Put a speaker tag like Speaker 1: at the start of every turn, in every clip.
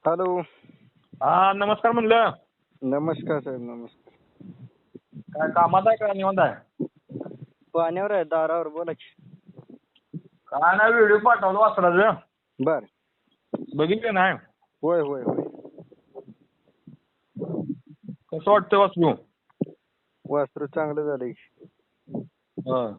Speaker 1: Hello.
Speaker 2: हा नमस्कार म्हणलं.
Speaker 1: नमस्कार साहेब, नमस्कार.
Speaker 2: काय कामात आहे का निवांत आहे?
Speaker 1: पाण्यावर आहे, दारावर, बोला की.
Speaker 2: काय नाही, व्हिडिओ पाठवला वासराचं.
Speaker 1: बर.
Speaker 2: बघितलं नाही?
Speaker 1: होय होय होय.
Speaker 2: कसं वाटतं वासरू?
Speaker 1: वासरू चांगलं झालंय.
Speaker 2: हं.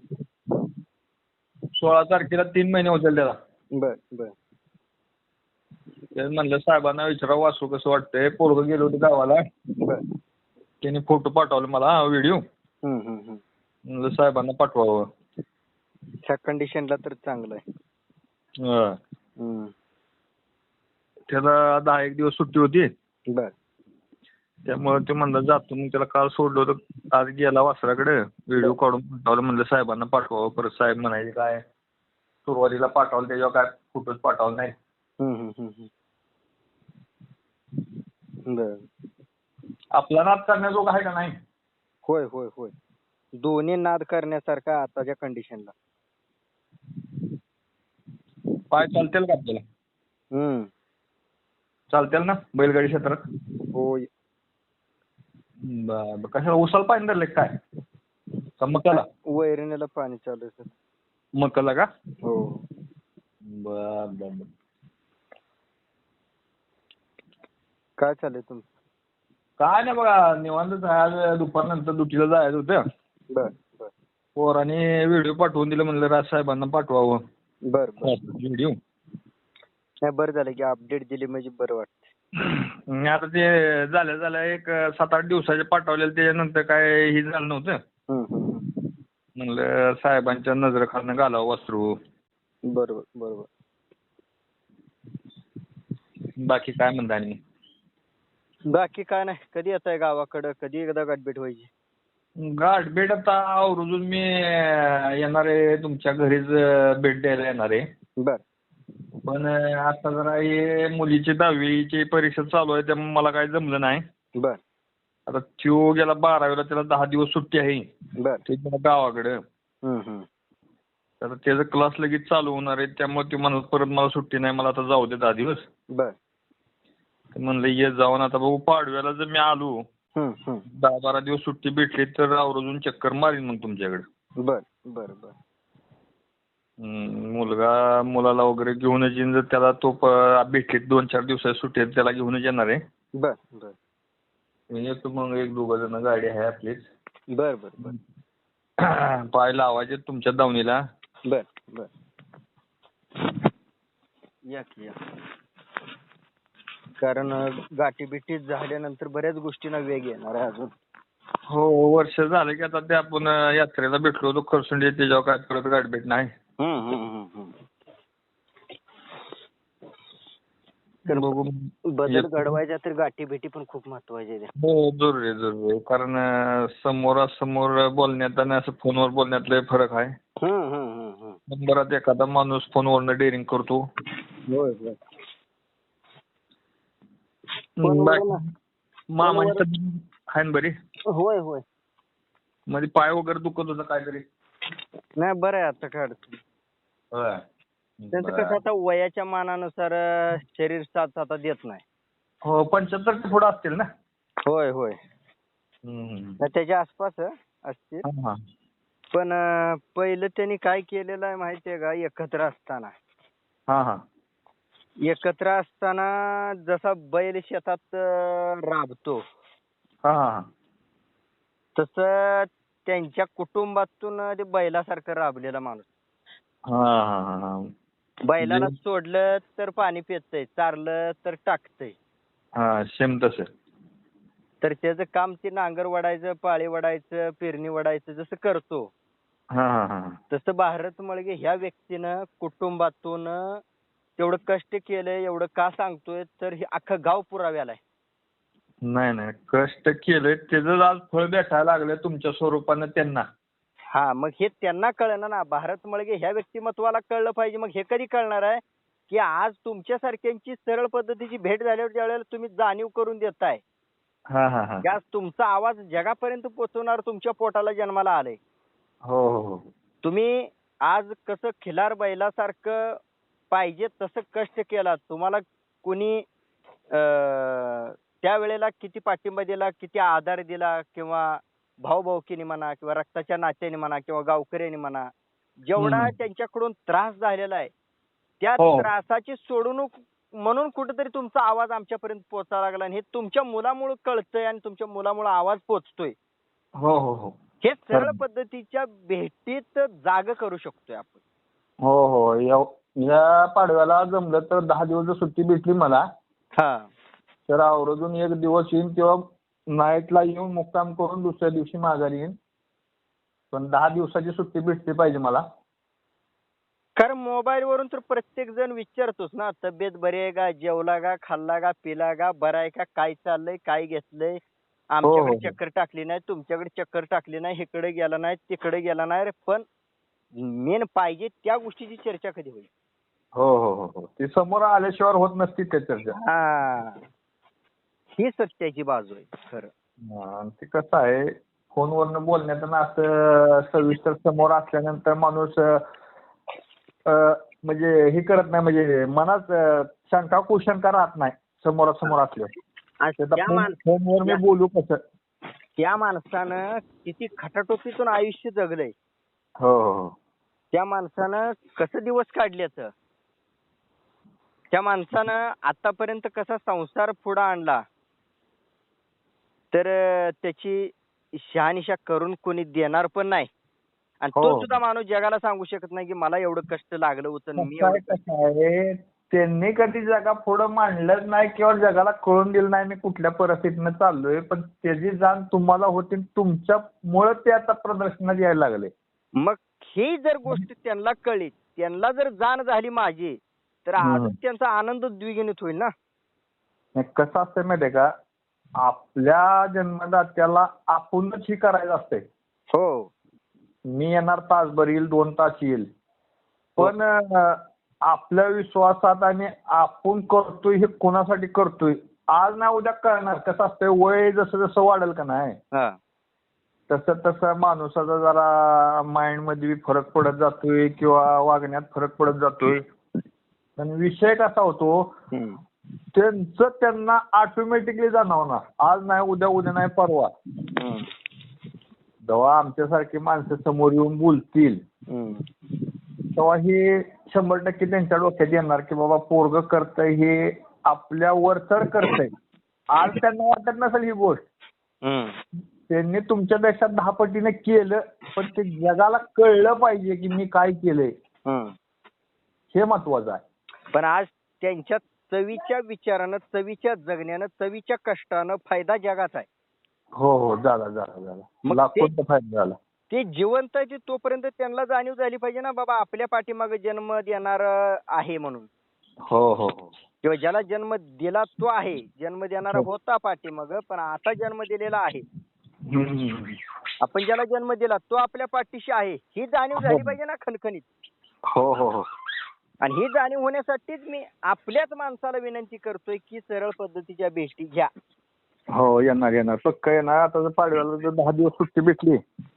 Speaker 2: 16 तारखेला 3 महिने होतील त्याला.
Speaker 1: बर बर.
Speaker 2: तेच म्हणलं साहेबांना विचारावं वासरू कसं वाटतंय. पोरगं गेलो होते गावाला.
Speaker 1: बर.
Speaker 2: त्यांनी फोटो पाठवले मला, व्हिडिओ.
Speaker 1: हम्म.
Speaker 2: म्हणलं साहेबांना पाठवावं.
Speaker 1: ह्या कंडिशनला तर चांगलं आहे.
Speaker 2: हं.
Speaker 1: हम्म.
Speaker 2: त्याला 10-1 दिवस सुट्टी होती.
Speaker 1: बर.
Speaker 2: त्यामुळे ते म्हणलं जातो, मग त्याला काल सोडलं होतं. आज गेला वासराकडे, व्हिडिओ काढून पाठवलं. म्हणलं साहेबांना पाठवावं. परत साहेब म्हणायचे काय सुरुवातीला पाठवलं त्याच्यावर काय फोटोच पाठवलं नाही.
Speaker 1: हम्म. बर.
Speaker 2: आपला नाद करण्याजोगा आहे का नाही?
Speaker 1: होय होय होय. दोन्ही नाद करण्यासारखा आताच्या कंडिशनला.
Speaker 2: पाय चालतील का आपल्याला? चालतील ना बैलगाडी क्षेत्रात?
Speaker 1: होय.
Speaker 2: बरं. कशाला उसाला पाणी धरलंय काय? का मकाला?
Speaker 1: वैरणीला पाणी चालू आहे सर.
Speaker 2: मकाला का?
Speaker 1: हो.
Speaker 2: बर.
Speaker 1: काय चाललंय तुमचं?
Speaker 2: काय नाही बघा, निवांतच आहे. आज दुपारनंतर ड्युटीला जायचं होतं.
Speaker 1: बर बर.
Speaker 2: पोराने व्हिडिओ पाठवून दिलं, म्हणलं राज साहेबांना पाठवावं
Speaker 1: बर बर.
Speaker 2: व्हिडिओ.
Speaker 1: नाही, बरं झालं की अपडेट दिली म्हणजे बरं वाटतं.
Speaker 2: आता ते झाल्या एक 7-8 दिवसाचे पाठवलेलं, त्याच्यानंतर काय हे झालं नव्हतं. म्हणलं साहेबांच्या नजरेखालनं घालावं वासरू.
Speaker 1: बरोबर.
Speaker 2: बाकी काय म्हणता? आणि
Speaker 1: बाकी काय नाही. कधी येताय गावाकडं? कधी एकदा गाठभेट व्हायची?
Speaker 2: गाठभेट आता आवर्जून मी येणार आहे, तुमच्या घरीच भेट द्यायला येणार आहे.
Speaker 1: बर.
Speaker 2: पण आता जरा हे मुलीची 10वीची परीक्षा चालू आहे, त्यामुळे मला काही जमलं नाही.
Speaker 1: बर.
Speaker 2: आता त्यो गेला 12वीला, त्याला 10 दिवस सुट्टी आहे.
Speaker 1: बर.
Speaker 2: ते गेला गावाकडं. तर त्याचा क्लास लगेच चालू होणार आहे, त्यामुळे ते म्हणत परत मला सुट्टी नाही, मला आता जाऊ दे 10 दिवस.
Speaker 1: बर.
Speaker 2: म्हणलं ये जाऊन आता बघू, पाडव्याला जर मी आलो 10-12 दिवस सुट्टी भेटली तर आवर्जून चक्कर मारीन मग तुमच्याकडे.
Speaker 1: बर.
Speaker 2: मुलाला वगैरे घेऊनच येईन, जर त्याला तो भेटली 2-4 दिवसाची सुट्टी आहे, त्याला घेऊनच येणार आहे.
Speaker 1: बर.
Speaker 2: मी येतो मग, 1-2 जण गाडी आहे आपलीच.
Speaker 1: बर.
Speaker 2: पाय लावायचे तुमच्या दावणीला.
Speaker 1: बर. या. कारण गाठीबिटी झाल्यानंतर बऱ्याच गोष्टींना वेग येणार आहे अजून.
Speaker 2: हो, वर्ष झालं की आता ते आपण यात्रेला भेटलो होतो खरसुंडी, त्याच्यावर काय परत गाठभेट नाही. बघू.
Speaker 1: बदल घडवायचा तर गाठीभेटी पण खूप महत्वाच्या आहेत.
Speaker 2: हो, जरूर आहे. कारण समोरासमोर बोलण्यात आणि असं फोनवर बोलण्यात लय फरक आहे. नंबरात एखादा माणूस फोनवरनं डेअरिंग करतो.
Speaker 1: होय.
Speaker 2: मामाची तब्येत आहे ना बरी?
Speaker 1: होय.
Speaker 2: मध्ये पाय वगैरे दुखत होता काहीतरी?
Speaker 1: नाही, बरं आहे आता. काय अडचण
Speaker 2: होय.
Speaker 1: त्यांचं कसं आता वयाच्या मानानुसार शरीर साथ आता देत नाही.
Speaker 2: हो, 75 पुढे असतील ना?
Speaker 1: होय. त्याच्या आसपास असतील. पण पहिलं त्यांनी काय केलेलं आहे माहितीये का? एकत्र असताना जसा बैल शेतात राबतो, तसं त्यांच्या कुटुंबातून ते बैलासारखं राबलेला माणूस. बैलाला सोडलं तर पाणी पितंय, चारलं तर टाकतंय.
Speaker 2: सेम तसं.
Speaker 1: तर त्याचं काम ते नांगर वडायचं, पाळी वडायचं, पेरणी वडायचं जसं करतो, तसं भारत मळगे ह्या व्यक्तीनं कुटुंबातून तेवढं कष्ट केलंय. एवढं का सांगतोय तर हे अख्खं गाव पुराव्याला आहे.
Speaker 2: नाही, कष्ट केलंय त्याचं आज फळ भेटायला लागलं तुमच्या स्वरूपानं त्यांना.
Speaker 1: मग हे त्यांना कळलं ना. भारत मळगे ह्या व्यक्तिमत्वाला कळलं पाहिजे. मग हे कधी कळणार आहे की आज तुमच्यासारख्यांची सरळ पद्धतीची भेट झाल्यावर ज्यावेळेला तुम्ही जाणीव करून देताय, आज तुमचा आवाज जगापर्यंत पोहोचवणार तुमच्या पोटाला जन्माला आलंय.
Speaker 2: हो.
Speaker 1: तुम्ही आज कसं खिलार बैलासारखं पाहिजे तसं कष्ट केला. तुम्हाला कुणी त्यावेळेला किती पाठिंबा दिला, किती आधार दिला किंवा भाऊभाऊकीने म्हणा किंवा रक्ताच्या नात्याने म्हणा किंवा गावकऱ्यांनी म्हणा, जेवढा त्यांच्याकडून त्रास झालेला आहे, त्या
Speaker 2: हो.
Speaker 1: त्रासाची सोडवणूक म्हणून कुठेतरी तुमचा आवाज आमच्यापर्यंत पोहोचायला लागला आणि हे तुमच्या मुलामुळे कळतंय आणि तुमच्या मुलामुळे आवाज पोहोचतोय.
Speaker 2: हो हो हो
Speaker 1: हे सरळ पद्धतीच्या भेटीत जाग करू शकतोय आपण.
Speaker 2: हो हो या पाडव्याला जमलं तर 10 दिवस जर सुट्टी भेटली मला
Speaker 1: हा
Speaker 2: तर आवर्जून एक दिवस येईन किंवा नाईटला येऊन मुक्काम करून दुसऱ्या दिवशी माघारी येईन. पण 10 दिवसाची सुट्टी भेटली पाहिजे मला.
Speaker 1: कारण मोबाईल वरून तर प्रत्येक जण विचारतोच ना, तब्येत बरी आहे का, जेवला का, खाल्ला का, पिला का, बरं आहे का, काय चाललंय, काय घेतलंय, आमच्याकडे
Speaker 2: हो.
Speaker 1: चक्कर टाकली नाही, तुमच्याकडे चक्कर टाकली नाही, इकडे गेला नाही, तिकडे गेला नाही रे. पण मेन पाहिजे त्या गोष्टीची चर्चा कधी होईल.
Speaker 2: हो हो हो हो ती समोर आल्याशिवाय होत नसती त्या चर्चा.
Speaker 1: हा, ही सत्याची बाजू आहे खरं.
Speaker 2: आणि ते कसं आहे फोनवरनं बोलण्यात असं सविस्तर समोर असल्यानंतर माणूस म्हणजे हे करत नाही, म्हणजे मनात शंका कुशंका राहत नाही समोरासमोर असल्यावर. फोनवर मी बोलू कसं.
Speaker 1: त्या माणसानं किती खटाटोपीतून आयुष्य जगलंय,
Speaker 2: हो हो
Speaker 1: त्या माणसानं कसं दिवस काढल्याचं, त्या माणसानं आतापर्यंत कसा संसार पुढे आणला, तर त्याची शहानिशा करून कोणी देणार पण नाही. आणि तो सुद्धा माणूस जगाला सांगू शकत नाही की मला एवढं कष्ट लागलं होतं, मी
Speaker 2: कसं आहे त्यांनी कधी जगा पुढे मांडलंच नाही किंवा जगाला कळून दिलं नाही मी कुठल्या परिस्थितीनं चाललोय. पण त्याची जाण तुम्हाला होती, तुमच्यामुळे ते आता प्रदर्शनात यायला लागले.
Speaker 1: मग ही जर गोष्ट त्यांना कळली, त्यांना जर जाण झाली माझी, तर अजून त्यांचा आनंद द्विगुणित होईल ना.
Speaker 2: कसं असतं माहितीये का, आपल्या जन्मदात्याला आपणच ही करायचं असते.
Speaker 1: हो, मी
Speaker 2: येणार तासभर येईल, 2 तास येईल, पण आपल्या विश्वासात आणि आपण करतोय हे कोणासाठी करतोय आज ना उद्या कळणार. कसं असतंय वय जसं जसं वाढेल का नाही तसं तसं माणसाचा जरा माइंड मध्ये फरक पडत जातोय किंवा वागण्यात फरक पडत जातोय. पण विषय कसा होतो त्यांचं त्यांना ऑटोमॅटिकली जाणवणार. आज नाही उद्या, उद्या नाही परवा. जेव्हा आमच्यासारखी माणसं समोर येऊन बोलतील तेव्हा हे 100% त्यांच्या डोक्यात येणार की बाबा पोरग करतंय हे आपल्या वरचढ करतंय. आज त्यांना वाटत नसेल ही गोष्ट, त्यांनी तुमच्यापेक्षा 10 पटीने केलं, पण ते जगाला कळलं पाहिजे की मी काय केलंय, हे महत्वाचं आहे.
Speaker 1: पण आज त्यांच्या चवीच्या विचारानं, चवीच्या जगण्यानं, चवीच्या कष्टानं फायदा जगाचा आहे.
Speaker 2: हो हो झाला लाखोंचा फायदा झाला.
Speaker 1: ते जिवंत आहे तोपर्यंत त्यांना जाणीव झाली पाहिजे ना बाबा आपल्या पाठीमागे जन्म देणार आहे म्हणून.
Speaker 2: हो हो हो
Speaker 1: किंवा ज्याला जन्म दिला तो आहे, जन्म देणारा होता पाठीमाग, पण आता जन्म दिलेला आहे. आपण ज्याला जन्म दिला तो आपल्या पाठीशी आहे, ही जाणीव झाली पाहिजे ना खणखणीत.
Speaker 2: हो हो हो
Speaker 1: आणि ही जाणीव होण्यासाठीच मी आपल्याच माणसाला विनंती करतोय की सरळ पद्धतीच्या भेटी घ्या.
Speaker 2: हो येणार पक्का येणार. आता जर पाडव्याला जर 10 दिवस सुट्टी भेटली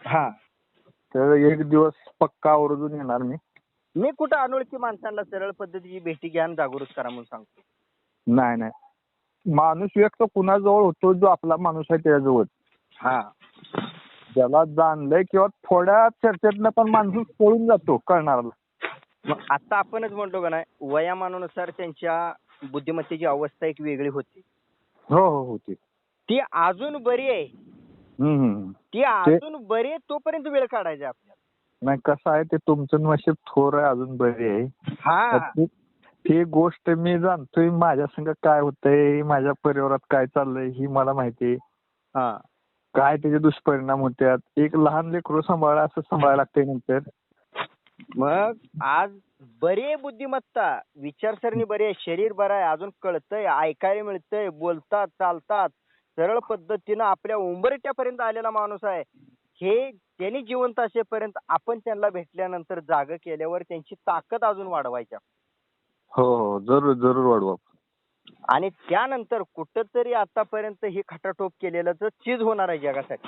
Speaker 2: तर एक दिवस पक्का आवर्जून येणार मी
Speaker 1: कुठं अनोळखी माणसांना सरळ पद्धतीची भेटी घ्या आणि जागृत करा म्हणून सांगतो.
Speaker 2: नाही माणूस व्यक्त कुणाजवळ होतो जो आपला माणूस आहे त्याजवळ. ज्याला जाणलंय किंवा थोड्या चर्चेतनं पण माणूस पळून जातो कळणारा.
Speaker 1: मग आता आपणच म्हणतो का नाही, वयामानानुसार त्यांच्या बुद्धिमत्तेची अवस्था एक वेगळी होती.
Speaker 2: हो होती.
Speaker 1: ती अजून बरी आहे. ती अजून बरी आहे तोपर्यंत वेळ काढायचा आपल्याला.
Speaker 2: नाही कसं आहे ते तुमचं नशीब थोर आहे, अजून बरी आहे. ती गोष्ट मी जाणतोय माझ्या संग काय होतंय, माझ्या परिवारात काय चाललंय ही मला माहिती. काय त्याचे दुष्परिणाम होतात. एक लहान लेकरू सांभाळा असं सांभाळायला लागतंय नंतर.
Speaker 1: मग आज बरी आहे बुद्धिमत्ता, विचारसरणी बरी आहे, शरीर बरं आहे, अजून कळतंय, ऐकायला मिळतंय, बोलतात, चालतात, सरळ पद्धतीनं आपल्या उंबरठ्यापर्यंत आलेला माणूस आहे. हे त्यांनी जिवंत असेपर्यंत आपण त्यांना भेटल्यानंतर जाग केल्यावर त्यांची ताकद अजून वाढवायची.
Speaker 2: हो जरूर वाढवा.
Speaker 1: आणि त्यानंतर कुठंतरी आतापर्यंत हे खटाटोप केलेलं चीज होणार आहे जगासाठी.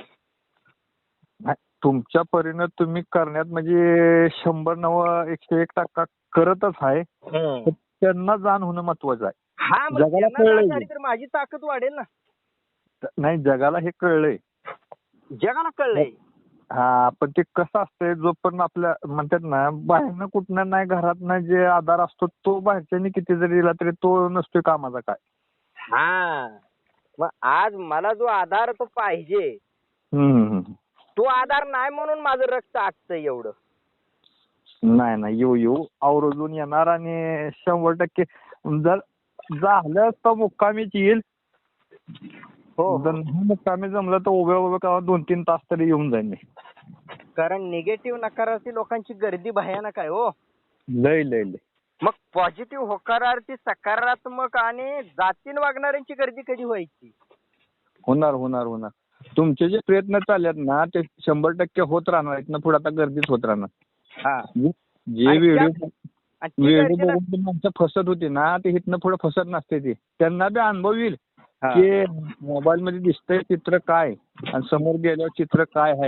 Speaker 2: तुमच्या परीनं तुम्ही करण्यात म्हणजे 100 101% करतच आहे. त्यांना जाण होणं महत्वाचं आहे.
Speaker 1: हा मग
Speaker 2: जगाला
Speaker 1: त्यांना जाण
Speaker 2: कळलंय
Speaker 1: झाली तर माझी ताकद वाढेल ना.
Speaker 2: नाही, जगाला हे कळलंय.
Speaker 1: जगाला कळलंय.
Speaker 2: हा, पण ते कसं असतंय, जोपर्यंत आपल्या म्हणतात ना बाहेरनं कुठनं नाही घरात जे आधार असतो तो बाहेरच्यानी किती जरी दिला तरी तो नसतोय कामाचा काय.
Speaker 1: हा मग आज मला जो आधार तो पाहिजे,
Speaker 2: हम्म.
Speaker 1: तो आधार नाही म्हणून माझं रक्त आटतंय एवढं.
Speaker 2: नाही नाही, येऊ आवर्जून येणार आणि 100% जर झालं तर मुक्कामीच येईल.
Speaker 1: हो
Speaker 2: जर नाही मुक्कामी जमलं तर उभ्या का 2-3 तास तरी येऊन जाईन मी.
Speaker 1: कारण निगेटिव्ह नकारार्थी लोकांची गर्दी भयानक आहे हो.
Speaker 2: लय लय लय.
Speaker 1: मग पॉझिटिव्ह होकारार्थी सकारात्मक आणि जातीन वागणाऱ्यांची गर्दी कधी व्हायची.
Speaker 2: होणार होणार होणार. तुमचे जे प्रयत्न चाललेत ना ते 100% होत राहणार. इथनं पुढे आता गर्दीच होत राहणार.
Speaker 1: हा
Speaker 2: जे
Speaker 1: आणि
Speaker 2: व्हिडिओ
Speaker 1: ती
Speaker 2: व्हिडिओ
Speaker 1: गर्दी
Speaker 2: बघून जी माणसं फसत होती ना ते इथनं पुढे फसत नसते. ते त्यांना बी अनुभव येईल
Speaker 1: हा.
Speaker 2: की मोबाईल मध्ये दिसतंय चित्र काय आणि समोर गेल्यावर चित्र काय आहे.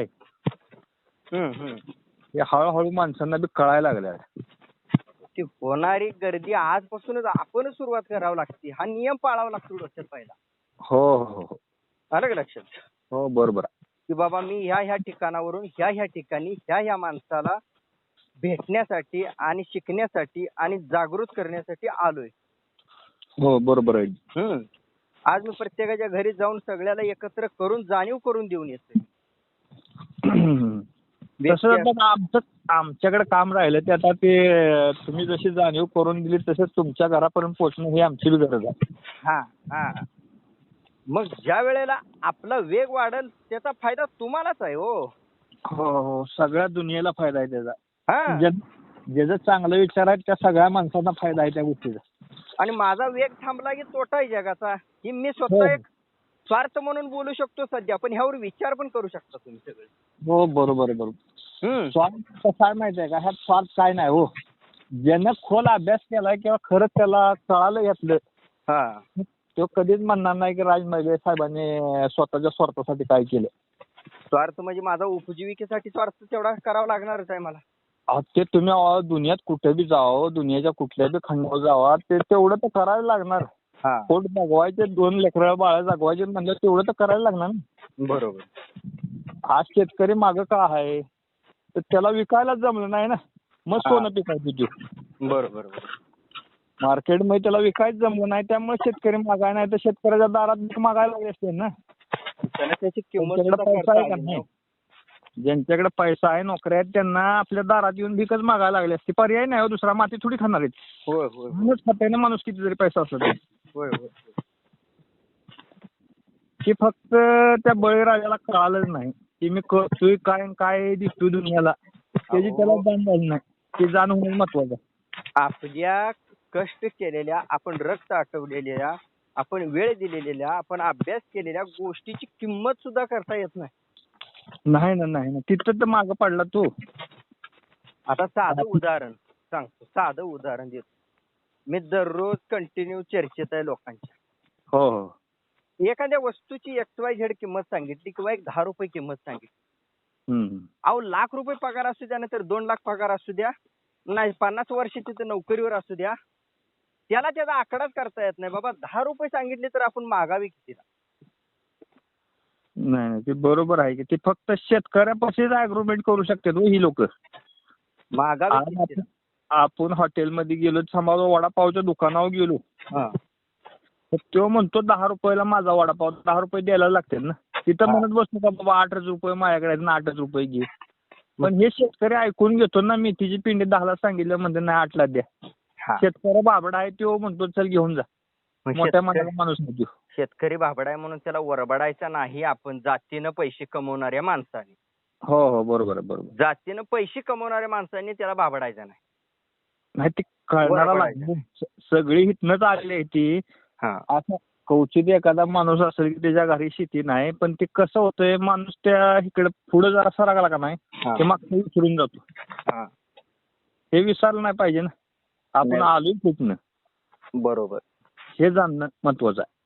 Speaker 2: हे हळूहळू माणसांना बी कळायला लागलं.
Speaker 1: ती होणारी गर्दी आजपासूनच आपणच सुरुवात करावी लागते. हा नियम पाळावा लागतो डोक्यात पहिला.
Speaker 2: हो हो हो.
Speaker 1: आलं का लक्षात.
Speaker 2: हो बरोबर आहे.
Speaker 1: की बाबा मी ह्या ठिकाणावरून ह्या ठिकाणी ह्या माणसाला भेटण्यासाठी आणि शिकण्यासाठी आणि जागृत करण्यासाठी आलोय.
Speaker 2: हो बरोबर आहे.
Speaker 1: आज मी प्रत्येकाच्या घरी जाऊन सगळ्याला एकत्र करून जाणीव करून देऊन येतोय.
Speaker 2: तसं आमच्याकडे काम राहिलं ते आता ते तुम्ही जशी जाणीव करून दिली तसंच तुमच्या घरापर्यंत पोहोचणं ही आमची बी गरज आहे.
Speaker 1: हा हा. मग ज्या वेळेला आपला वेग वाढेल त्याचा फायदा तुम्हालाच आहे हो.
Speaker 2: हो हो, सगळ्या दुनियेला फायदा आहे त्याचा.
Speaker 1: हा.
Speaker 2: ज्याचा चांगला विचार आहे त्या सगळ्या माणसांना फायदा आहे त्या गोष्टीचा.
Speaker 1: आणि माझा वेग थांबला की तोटा आहे जगाचा. ही मी स्वतः एक स्वार्थ म्हणून बोलू शकतो सध्या, पण ह्यावर विचार पण करू शकता तुम्ही सगळे.
Speaker 2: हो बरोबर आहे बरोबर. स्वार्थ कसा आहे माहिती आहे का, ह्यात स्वार्थ काय नाही हो. ज्यानं खोल अभ्यास केलाय किंवा खरंच त्याला कळालं यातलं तो कधीच म्हणणार नाही की राज मगे साहेबांनी स्वतःच्या स्वार्थासाठी काय केलं.
Speaker 1: स्वार्थ म्हणजे माझा उपजीविकेसाठी स्वार्थ तेवढा करावा लागणारच आहे मला.
Speaker 2: ते तुम्ही दुनियात कुठे बी जावं, दुनियाच्या कुठल्या बी खंडावर जावा, ते तेवढं तर करायला लागणार. पोट जगवायचे, 2 लेकरं बाळ जगवायचे म्हणलं तेवढं तर करायला लागणार ना.
Speaker 1: बरोबर.
Speaker 2: आज शेतकरी मागं का आहे तर त्याला विकायला जमलं नाही ना, मग सोनं पिकायचं ते.
Speaker 1: बरोबर.
Speaker 2: मार्केटमध्ये त्याला विकायचं जमलं नाही त्यामुळे शेतकरी मागाय नाही तर शेतकऱ्याच्या दारात मागायला लागले असते ना.
Speaker 1: त्याची किंमत
Speaker 2: पैसा आहे का नाही. ज्यांच्याकडे पैसा आहे, नोकऱ्या आहेत, त्यांना आपल्या दारात येऊन भिकच मागायला लागली असते. पर्याय नाही हो दुसरा. माती थोडी खाणार आहेत.
Speaker 1: होय.
Speaker 2: म्हणूनच खाताय ना माणूस किती जरी पैसा असला तरी.
Speaker 1: होय.
Speaker 2: की फक्त त्या बळीराजाला कळालंच नाही की मी करतोय काय काय दिसतोय दुनियाला, त्याची त्याला जाण झाली नाही. ते जाण होणं महत्वाचं.
Speaker 1: आपल्या कष्ट केलेल्या, आपण रक्त आटवलेल्या, आपण वेळ दिलेल्या, आपण अभ्यास केलेल्या गोष्टीची किंमत सुद्धा करता येत नाही.
Speaker 2: नाही ना, तिथं तर मागं पडला तू.
Speaker 1: आता साधं उदाहरण देतो. मी दररोज कंटिन्यू चर्चेत आहे लोकांच्या.
Speaker 2: हो.
Speaker 1: एखाद्या वस्तूची XYZ किंमत सांगितली किंवा एक 10 रुपये किंमत सांगितली. अहो ₹1,00,000 पगार असू द्या नाहीतर 2 लाख पगार असू द्या, नाही 50 वर्षाची तर नोकरीवर असू द्या, त्याला त्याचा आकडाच करता येत नाही. बाबा 10 रुपये सांगितले तर आपण मागावी कितीला.
Speaker 2: नाही ते बरोबर आहे की ते फक्त शेतकऱ्यापाशीच अग्रीमेंट करू शकतात ही लोक.
Speaker 1: मागावी कितीला.
Speaker 2: आपण हॉटेलमध्ये गेलो, समजा वडापावच्या दुकानावर गेलो, तर तो म्हणतो 10 रुपयाला माझा वडापाव, 10 रुपये द्यायला लागतात ना. तिथं म्हणत बसतो का बाबा 8च रुपये माझ्याकडे आहेत ना, 8च रुपये घे. पण हे शेतकरी ऐकून घेतो ना, मेथीची पिंडी 10ला सांगितलं म्हणते नाही 8ला द्या. शेतकरी बाबडा आहे तो म्हणतो चल घेऊन जा. मोठ्या मनाला माणूस नाही.
Speaker 1: शेतकरी बाबडा आहे म्हणून त्याला वरबडायचा नाही आपण, जातीनं पैसे कमवणाऱ्या माणसाने.
Speaker 2: हो बरोबर.
Speaker 1: जातीनं पैसे कमवणाऱ्या माणसांनी त्याला बाबडायचं
Speaker 2: नाही. ते कळणारा लागलं. सगळी हितनंच आलेली आहे ती. असं कवचित एखादा माणूस असेल की त्याच्या घरी शेती नाही, पण ते कसं होतंय माणूस त्या इकडे पुढे जरा सरकला का नाही ते मागचं विसरून जातो. हे विसरलं नाही पाहिजे ना. आपण आलोय कुठनं.
Speaker 1: बरोबर.
Speaker 2: हे जाणणं महत्वाचं आहे.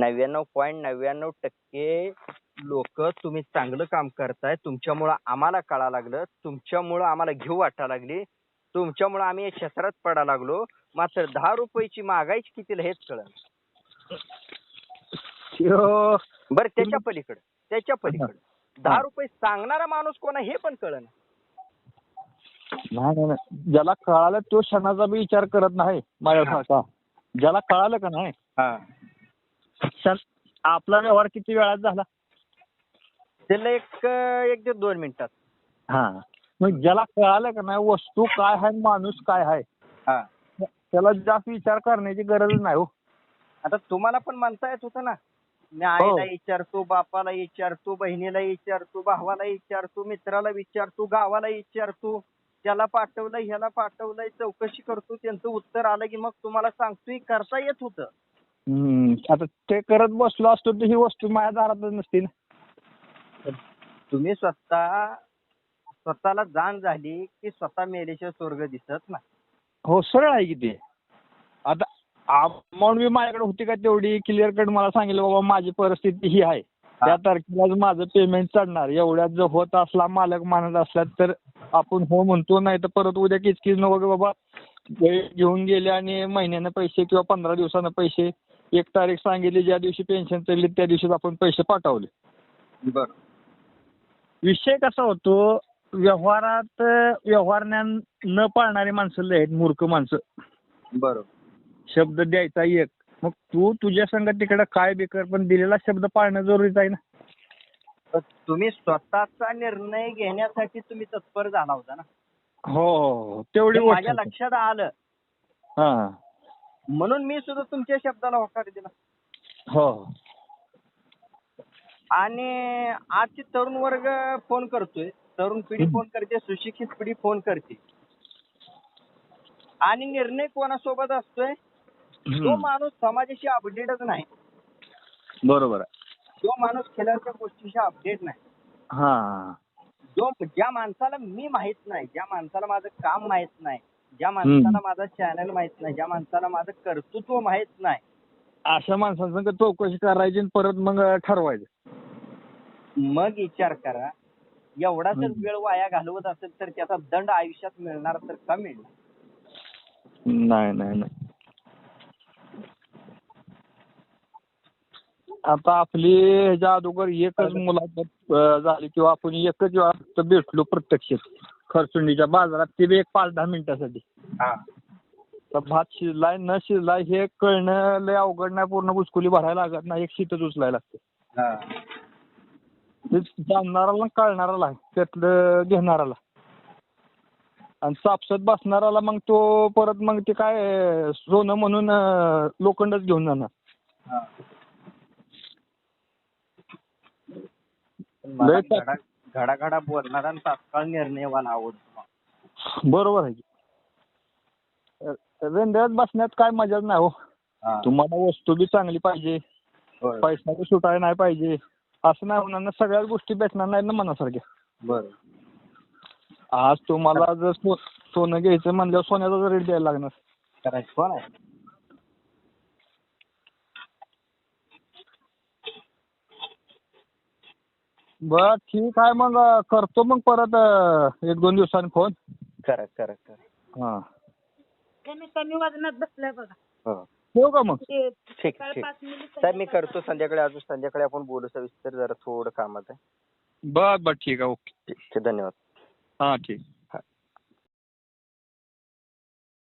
Speaker 1: 99.99% लोक तुम्ही चांगलं काम करताय, तुमच्यामुळं आम्हाला कळायला लागलं, तुमच्यामुळं आम्हाला घेऊ वाटायला लागली. तुमच्यामुळे आम्ही या क्षेत्रात पडायला लागलो. मात्र 10 रुपयाची मागायची कितीला हेच कळलं. बरं त्याच्या पलीकडे 10 रुपये सांगणारा माणूस कोण आहे हे पण कळलं.
Speaker 2: नाही, ज्याला कळालं तो क्षणाचा बी विचार करत नाही माझ्यासारखा. ज्याला कळालं का नाही आपला व्यवहार किती वेळात झाला
Speaker 1: त्याला एक ते 2 मिनिटात.
Speaker 2: हा, मग ज्याला कळालं का नाही वस्तू काय आहे माणूस काय आहे त्याला जास्त विचार करण्याची गरज नाही हो.
Speaker 1: आता तुम्हाला पण म्हणता येत होतं ना, मी आईला विचारतो, बापाला विचारतो, बहिणीला विचारतो, भावाला विचारतो, मित्राला विचारतो, गावाला विचारतो, त्याला पाठवलंय ह्याला पाठवलंय, चौकशी करतो, त्यांचं उत्तर आलं की मग तुम्हाला सांगतो. करता येत होतं.
Speaker 2: आता ते करत बसलो असतो तर ही वस्तू माझ्या दारातच नसती ना.
Speaker 1: तुम्ही स्वतःला जाण झाली की स्वतः मेल्याशिवाय स्वर्ग दिसत ना.
Speaker 2: हो, सरळ आहे की ते. आता अमाऊंट बी माझ्याकडे होती का तेवढी क्लिअर कट मला सांगितलं बाबा माझी परिस्थिती ही आहे, त्या तारखेला माझं पेमेंट चढणार, एवढ्यात जर होत असला मालक मानत असला तर आपण हो म्हणतो, नाही तर परत उद्या किचकिच नको बाबा वेळ घेऊन गेले आणि महिन्यानं पैसे किंवा 15 दिवसानं पैसे, एक तारीख सांगितली ज्या दिवशी पेन्शन चढली त्या दिवशीच आपण पैसे पाठवले.
Speaker 1: बरं.
Speaker 2: विषय कसा होतो, व्यवहारात व्यवहार ज्ञान न पाळणारी माणसं लय आहेत, मूर्ख माणसं.
Speaker 1: बरोबर.
Speaker 2: शब्द द्यायचा एक, मग तू तुझ्या संग तिकडे काय बेकर पण दिलेला शब्द पाळणं जरुरीचं आहे ना.
Speaker 1: तुम्ही स्वतःचा निर्णय घेण्यासाठी तुम्ही तत्पर झाला होता ना.
Speaker 2: हो, तेवढी
Speaker 1: माझ्या लक्षात आलं.
Speaker 2: हा,
Speaker 1: म्हणून मी सुद्धा तुमच्या शब्दाला होकार दिला.
Speaker 2: हो.
Speaker 1: आणि आजची तरुण वर्ग फोन करतोय, तरुण पिढी फोन करते, सुशिक्षित पिढी फोन करते, आणि निर्णय कोणासोबत असतोय, जो माणूस समाजाशी अपडेटच नाही.
Speaker 2: बरोबर आहे.
Speaker 1: जो माणूस खेळाच्या गोष्टीशी अपडेट नाही.
Speaker 2: हा,
Speaker 1: ज्या माणसाला मी माहित नाही, ज्या माणसाला माझं काम माहित नाही, ज्या माणसाला माझा चॅनल माहित नाही, ज्या माणसाला माझं कर्तृत्व माहित नाही,
Speaker 2: अशा माणसांसंग चौकशी करायची आणि परत मग ठरवायचं.
Speaker 1: मग विचार करा. एवढा जर वेळ वाया घालवत असेल तर त्याचा दंड आयुष्यात मिळणार तर का मिळणार?
Speaker 2: नाही. आता आपली ह्याच्या अगोदर एकच मुलाखत झाली किंवा आपण एकच वेळा भेटलो प्रत्यक्ष खरसुंडीच्या बाजारात, ते बी एक 5-10 मिनिटासाठी. तर भात शिजलाय न शिजलाय हे कळणं लय अवघड नाही. पूर्ण बुचकुली भरायला लागत नाही, एक शीतच उचलायला लागते. ते जाणणाराला कळणाराला त्यातलं घेणाराला, आणि सापसत बसणाराला मग तो परत मग ते काय सोनं म्हणून लोखंडच घेऊन जाणार.
Speaker 1: घडाघडा बोलणारा आणि तात्काळ निर्णयवाला आवडतो.
Speaker 2: बरोबर आहे की. रेंद्यात बसण्यात काय मजाच नाही हो. तुम्हाला वस्तू बी चांगली पाहिजे, पैसा बी सुटायला नाही पाहिजे, असं नाही होणार ना. सगळ्याच गोष्टी भेटणार नाही ना मनासारख्या.
Speaker 1: बरं.
Speaker 2: आज तुम्हाला जर सोनं घ्यायचं म्हणल्यावर सोन्याचा रेट द्यायला लागणार.
Speaker 1: करायचं कोण आहे?
Speaker 2: बर ठीक आहे, मग करतो मग परत 1-2 दिवसांनी फोन.
Speaker 1: करा.
Speaker 2: हा,
Speaker 3: कमी वजनात बसलाय बघा.
Speaker 2: ठेवू का मग?
Speaker 1: ठीक. साहेब मी करतो संध्याकाळी, अजून संध्याकाळी आपण बोलू सविस्तर, जरा थोडं कामात आहे.
Speaker 2: बर ठीक आहे, ओके.
Speaker 1: ठीक, धन्यवाद.
Speaker 2: हा, ठीक.